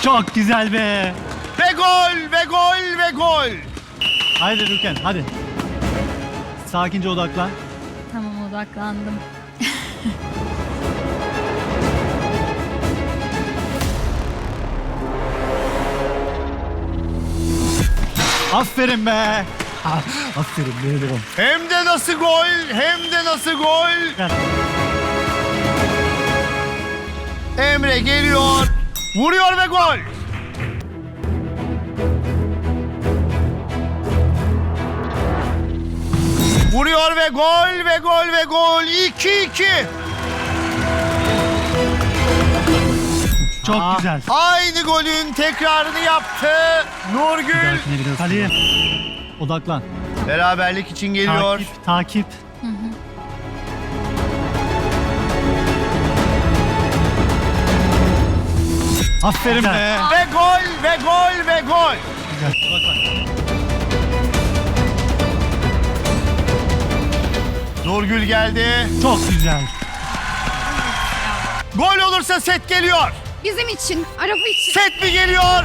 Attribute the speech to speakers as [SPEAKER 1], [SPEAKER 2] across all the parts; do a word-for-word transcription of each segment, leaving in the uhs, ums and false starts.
[SPEAKER 1] Çok güzel be.
[SPEAKER 2] Ve gol ve gol ve gol.
[SPEAKER 1] Haydi Ruken hadi. Sakince odaklan.
[SPEAKER 3] Tamam, odaklandım.
[SPEAKER 1] Aferin be. Ah, aferin be devam.
[SPEAKER 2] Hem de nasıl gol, hem de nasıl gol.
[SPEAKER 1] Gel.
[SPEAKER 2] Emre geliyor. Vuruyor ve gol. Vuruyor ve gol ve gol ve gol. iki iki.
[SPEAKER 1] Çok
[SPEAKER 2] Aa,
[SPEAKER 1] güzel.
[SPEAKER 2] Aynı golün tekrarını yaptı Nurgül.
[SPEAKER 1] Dahakine biraz Kaleye. Odaklan.
[SPEAKER 2] Beraberlik için geliyor.
[SPEAKER 1] Takip, takip. Aferin be.
[SPEAKER 2] Ve gol ve gol ve gol.
[SPEAKER 1] Güzel. Odaklan.
[SPEAKER 2] Nurgül geldi.
[SPEAKER 1] Çok güzel.
[SPEAKER 2] Gol olursa set geliyor.
[SPEAKER 4] Bizim için, araba için.
[SPEAKER 2] Set mi geliyor?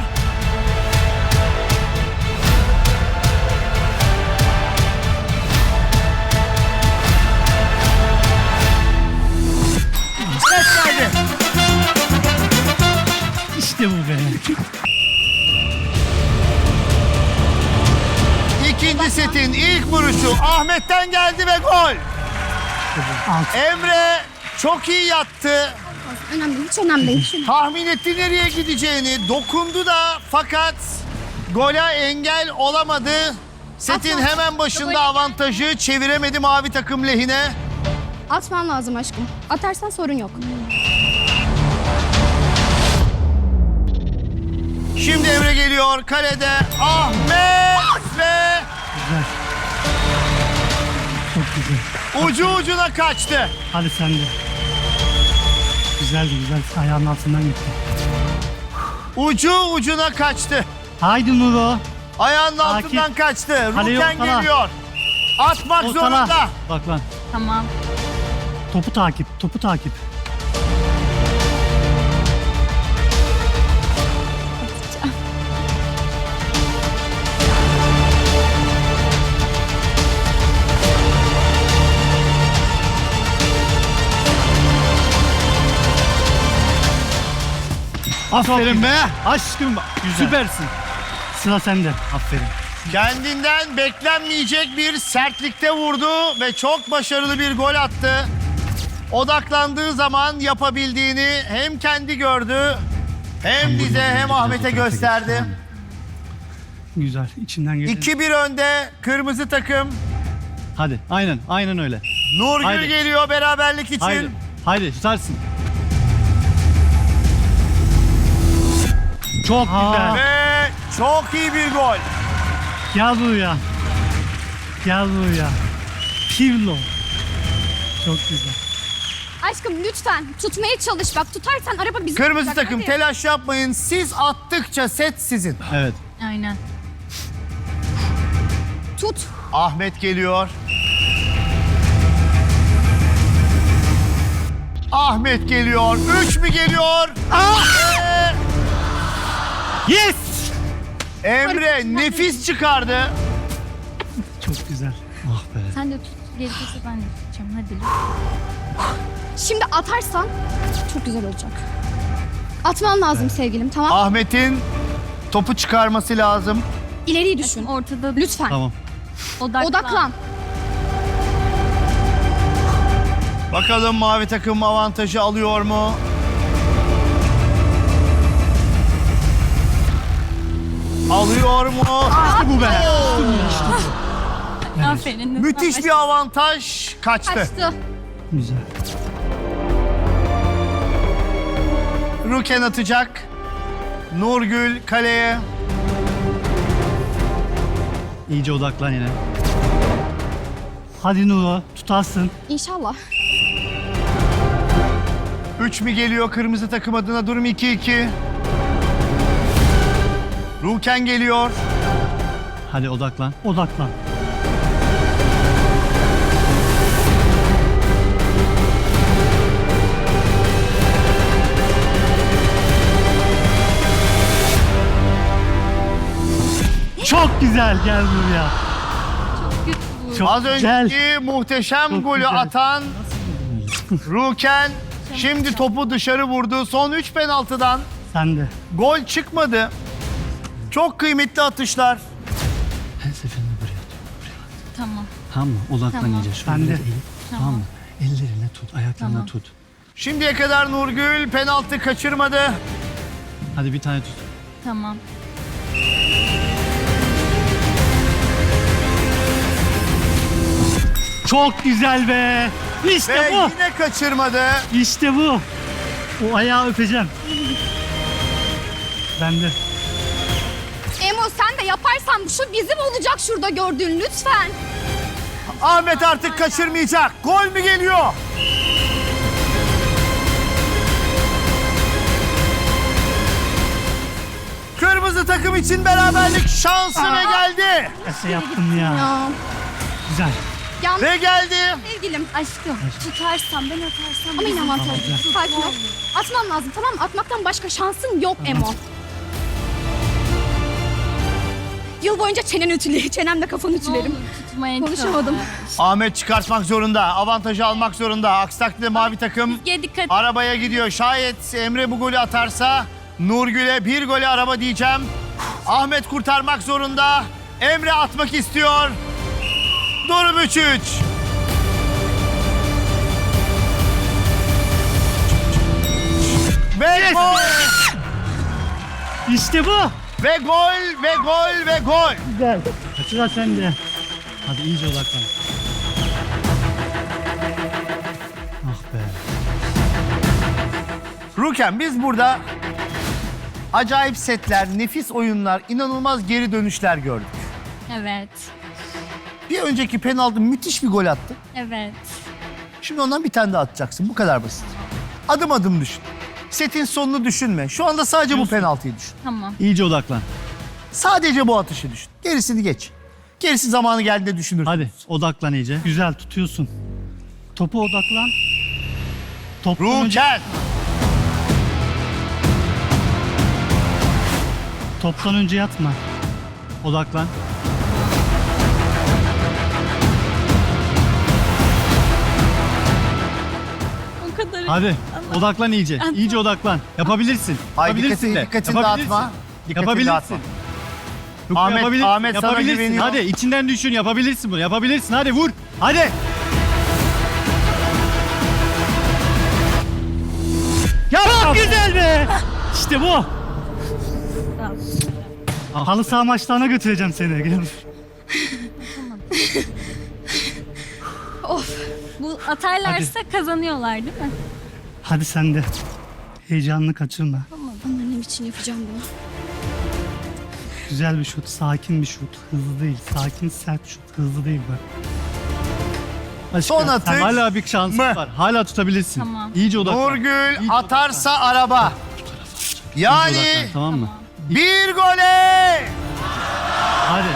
[SPEAKER 2] Set geldi.
[SPEAKER 1] İşte bu be.
[SPEAKER 2] İkinci setin ilk vuruşu Ahmet'ten geldi ve gol.
[SPEAKER 1] Alt.
[SPEAKER 2] Emre çok iyi yattı.
[SPEAKER 4] Önemli değil, hiç önemli değil. Hiç önemli.
[SPEAKER 2] Tahmin etti nereye gideceğini. Dokundu da fakat gole engel olamadı. Setin
[SPEAKER 4] Atma.
[SPEAKER 2] hemen başında avantajı çeviremedi mavi takım lehine.
[SPEAKER 4] Atman lazım aşkım. Atarsan sorun yok.
[SPEAKER 2] Şimdi Emre geliyor kalede. Ahmet ve
[SPEAKER 1] Güzel. Çok güzel.
[SPEAKER 2] ucu ucuna kaçtı.
[SPEAKER 1] Hadi sen de. Güzeldi güzel. Ayağının altından gitti.
[SPEAKER 2] Ucu ucuna kaçtı.
[SPEAKER 1] Haydi Nuro.
[SPEAKER 2] Ayağının
[SPEAKER 1] Takip.
[SPEAKER 2] altından kaçtı.
[SPEAKER 1] Kaleyi
[SPEAKER 2] Ruken
[SPEAKER 1] ortala.
[SPEAKER 2] geliyor. Atmak zorunda.
[SPEAKER 1] Ortala. Odaklan.
[SPEAKER 3] Tamam.
[SPEAKER 1] Topu takip. Topu takip. Aferin be. Aşkım süpersin. Sıra sende. Aferin.
[SPEAKER 2] Kendinden beklenmeyecek bir sertlikte vurdu ve çok başarılı bir gol attı. Odaklandığı zaman yapabildiğini hem kendi gördü hem bize hem Ahmet'e gösterdi.
[SPEAKER 1] Güzel. İçinden geldi.
[SPEAKER 2] iki bir önde kırmızı takım.
[SPEAKER 1] Hadi. Aynen. Aynen öyle.
[SPEAKER 2] Nurgül
[SPEAKER 1] Haydi.
[SPEAKER 2] geliyor beraberlik için.
[SPEAKER 1] Haydi. Haydi tutarsın. Çok güzel.
[SPEAKER 2] Ve çok iyi bir gol.
[SPEAKER 1] Gel buraya. Gel buraya. Pirlo. Çok güzel.
[SPEAKER 4] Aşkım lütfen tutmaya çalış. Bak tutarsan araba bizim
[SPEAKER 2] Kırmızı
[SPEAKER 4] olacak.
[SPEAKER 2] takım
[SPEAKER 4] Hadi.
[SPEAKER 2] telaş yapmayın. Siz attıkça set sizin.
[SPEAKER 1] Evet.
[SPEAKER 3] Aynen.
[SPEAKER 4] Tut.
[SPEAKER 2] Ahmet geliyor. Ahmet geliyor. Üç mü geliyor? Ah!
[SPEAKER 1] Yes!
[SPEAKER 2] Emre nefis çıkardı.
[SPEAKER 1] Çok güzel. Ah be.
[SPEAKER 3] Sen de tut. Gerekirse ben de tutacağım. Hadi.
[SPEAKER 4] Şimdi atarsan çok güzel olacak. Atman lazım sevgilim, tamam?
[SPEAKER 2] Ahmet'in topu çıkarması lazım.
[SPEAKER 4] İleriyi düşün.
[SPEAKER 3] Ortada
[SPEAKER 4] Lütfen.
[SPEAKER 1] Tamam.
[SPEAKER 3] odaklan.
[SPEAKER 4] Odaklan.
[SPEAKER 2] Bakalım mavi takım avantajı alıyor mu? Alıyor mu?
[SPEAKER 1] İşte bu be.
[SPEAKER 3] Aferin.
[SPEAKER 2] Müthiş bir avantaj kaçtı.
[SPEAKER 4] Kaçtı.
[SPEAKER 1] Güzel.
[SPEAKER 2] Ruken atacak. Nurgül kaleye.
[SPEAKER 1] İyice odaklan yine. Hadi Nuro. Tutarsın.
[SPEAKER 4] İnşallah.
[SPEAKER 2] Üç mi geliyor kırmızı takım adına? Durum iki iki. Ruken geliyor.
[SPEAKER 1] Hadi odaklan. Odaklan. güzel, gel buraya.
[SPEAKER 3] Çok kötü bu.
[SPEAKER 1] Çok
[SPEAKER 2] Az
[SPEAKER 1] güzel.
[SPEAKER 2] önceki muhteşem
[SPEAKER 1] Çok
[SPEAKER 2] golü
[SPEAKER 1] güzel.
[SPEAKER 2] atan Ruken şimdi topu dışarı vurdu. Son üç penaltıdan
[SPEAKER 1] Sen de.
[SPEAKER 2] gol çıkmadı. Çok kıymetli atışlar.
[SPEAKER 5] Her seferinde buraya at. Buraya at.
[SPEAKER 3] Tamam.
[SPEAKER 5] Tamam mı? Odaklan
[SPEAKER 3] Tamam.
[SPEAKER 5] iyice. Şöyle
[SPEAKER 1] Ben de.
[SPEAKER 5] eğil. Tamam. mı? Ellerine tut, ayaklarına
[SPEAKER 3] Tamam.
[SPEAKER 5] tut.
[SPEAKER 2] Şimdiye kadar Nurgül penaltı kaçırmadı.
[SPEAKER 5] Hadi bir tane tut.
[SPEAKER 3] Tamam.
[SPEAKER 1] Çok güzel be. İşte
[SPEAKER 2] Ve
[SPEAKER 1] bu.
[SPEAKER 2] yine kaçırmadı.
[SPEAKER 1] İşte bu. O ayağı öpeceğim. Ben de.
[SPEAKER 4] Emo sen de yaparsan şu bizim olacak şurada gördüğün lütfen.
[SPEAKER 2] Ahmet artık kaçırmayacak. Gol mü geliyor? Kırmızı takım için beraberlik şansı ve geldi.
[SPEAKER 1] Nasıl yaptın ya?
[SPEAKER 4] Ya.
[SPEAKER 1] Güzel.
[SPEAKER 4] Yalnız
[SPEAKER 2] Ve geldi.
[SPEAKER 4] sevgilim.
[SPEAKER 3] Aşkım.
[SPEAKER 4] Tutarsam ben atarsam. Ama yine avantaj. Sakin ol. Atman lazım tamam mı? Atmaktan başka şansın yok Emo. Yıl boyunca çenen ütüle, çenemle kafanı
[SPEAKER 3] Ne olur
[SPEAKER 4] ütülerim.
[SPEAKER 3] tutmaya
[SPEAKER 4] Konuşamadım.
[SPEAKER 3] çalış.
[SPEAKER 2] Ahmet çıkartmak zorunda. Avantajı almak zorunda. Aksi takdirde mavi takım
[SPEAKER 3] Ya dikkat.
[SPEAKER 2] arabaya gidiyor. Şayet Emre bu golü atarsa Nurgül'e bir golü araba diyeceğim. Ahmet kurtarmak zorunda. Emre atmak istiyor. Durum üç üç. Ve gol!
[SPEAKER 1] İşte bu.
[SPEAKER 2] Ve gol! Ve gol! Ve gol!
[SPEAKER 1] Güzel. Sıra sende.
[SPEAKER 5] Hadi iyice odaklan. Ah be.
[SPEAKER 2] Ruken biz burada acayip setler, nefis oyunlar, inanılmaz geri dönüşler gördük.
[SPEAKER 3] Evet.
[SPEAKER 2] Bir önceki penaltı müthiş bir gol attı.
[SPEAKER 3] Evet.
[SPEAKER 2] Şimdi ondan bir tane daha atacaksın. Bu kadar basit. Adım adım düşün. Setin sonunu düşünme. Şu anda sadece bu penaltıyı düşün.
[SPEAKER 3] Tamam.
[SPEAKER 5] İyice odaklan.
[SPEAKER 2] Sadece bu atışı düşün. Gerisini geç. Gerisi zamanı geldiğinde düşünürsün.
[SPEAKER 5] Hadi odaklan iyice.
[SPEAKER 1] Güzel tutuyorsun. Topa odaklan. Toptan önce,
[SPEAKER 2] Ruken!
[SPEAKER 1] toptan önce yatma.
[SPEAKER 5] Odaklan.
[SPEAKER 3] O kadar.
[SPEAKER 5] Hadi odaklan iyice. İyice odaklan. Yapabilirsin.
[SPEAKER 2] Ay
[SPEAKER 5] Yapabilirsin
[SPEAKER 2] dikkatini,
[SPEAKER 5] de.
[SPEAKER 2] dikkatini
[SPEAKER 5] Yapabilirsin.
[SPEAKER 2] dağıtma. Dikkatini
[SPEAKER 5] Yapabilirsin.
[SPEAKER 2] dağıtma.
[SPEAKER 5] Ruku
[SPEAKER 2] Ahmet-
[SPEAKER 5] yapabilir-
[SPEAKER 2] Ahmet sana
[SPEAKER 5] yapabilirsin.
[SPEAKER 2] güveniyor.
[SPEAKER 5] Hadi içinden düşün. Yapabilirsin bunu. Yapabilirsin. Hadi vur. Hadi.
[SPEAKER 1] Çok güzel be. İşte bu. Halı saha maçlarına götüreceğim seni. Gel.
[SPEAKER 3] Bu atarlarsa kazanıyorlar değil mi?
[SPEAKER 1] Hadi sen de. Heyecanını kaçırma.
[SPEAKER 4] Annem için yapacağım bunu.
[SPEAKER 1] Güzel bir şut, sakin bir şut. Hızlı değil. Sakin, sert şut. Hızlı değil bak. Aşkım,
[SPEAKER 2] Son atış.
[SPEAKER 5] Hala bir şansın
[SPEAKER 2] Mı?
[SPEAKER 5] var. Hala tutabilirsin.
[SPEAKER 3] Tamam.
[SPEAKER 5] İyice odaklan.
[SPEAKER 2] Nurgül
[SPEAKER 5] İyice
[SPEAKER 2] atarsa araba.
[SPEAKER 5] odaklan.
[SPEAKER 2] Yani
[SPEAKER 5] Odaklan, tamam mı?
[SPEAKER 2] bir gole!
[SPEAKER 5] Hadi.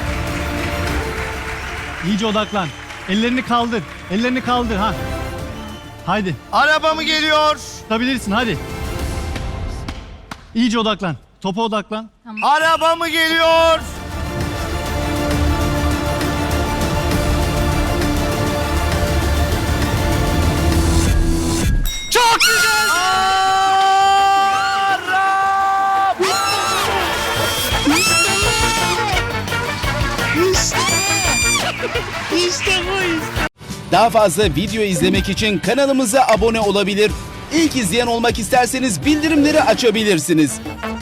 [SPEAKER 5] İyice odaklan. Ellerini kaldır. Ellerini kaldır ha. Haydi.
[SPEAKER 2] Araba mı geliyor?
[SPEAKER 5] Tutabilirsin hadi. İyice odaklan. Topa odaklan.
[SPEAKER 2] Araba mı geliyor? Çok güzel! Araba!
[SPEAKER 6] Daha fazla video izlemek için kanalımıza abone olabilir. İlk izleyen olmak isterseniz bildirimleri açabilirsiniz.